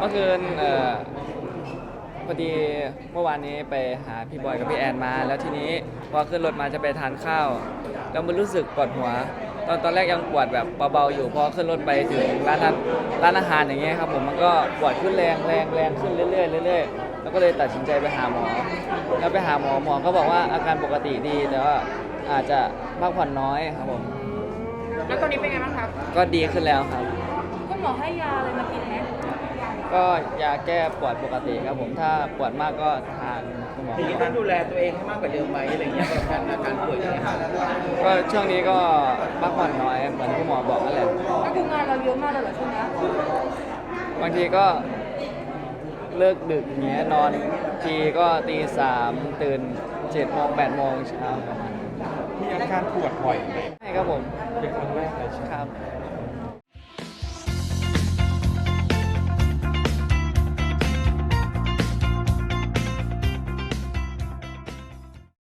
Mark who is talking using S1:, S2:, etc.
S1: อคืนพอดีเมื่อวานนี้ไปหาพี่บอยกับพี่แอนมาแล้วทีนี้พอขึ้นรถมาจะไปทานข้าวแล้วมันรู้สึกปวดหัวตอนแรกยังปวดแบบเบาๆอยู่พอขึ้นรถไปถึงร้านอาหารอย่างเงี้ยครับผมมันก็ปวดขึ้นแรงขึ้นเรื่อยๆเรื่อยๆแล้วก็เลยตัดสินใจไปหาหมอแล้วไปหาหมอก็บอกว่าอาการปกติดีแต่ว่าอาจจะพักผ่อนน้อยครับผม
S2: แล้วตอนนี้เป็นไงบ้างครับ
S1: ก็ดีขึ้นแล้วครับ
S2: คุณหมอให้ยาอะไรมากินไหม
S1: ก็ยาแก้ปวดปกติครับผมถ้าปวดมากก็ทานคุณหมอ
S3: ทีนี้ต้องดูแลตัวเองให้มากกว่าเดิมไหมอะไรเงี้ยกับอาการป่วยอย่างเงี้ยครับ
S1: ก็ช่วงนี้ก็พักผ่อนน้อยเหมือนคุณหมอบอกนั่นแหละ
S2: ก็คืองานเราเยอะมากเลยเหรอช่วงนี้
S1: บางทีก็เลิกดึกเงี้ยนอนทีก็ตี 3ตื่น7 โมง 8 โมงเช้าประมาณ
S3: มีอาการปวดบ่อยไหม
S1: ใช่ครับผม
S3: เป็นครั้งแรกเลยใช่ไหม
S1: ครับ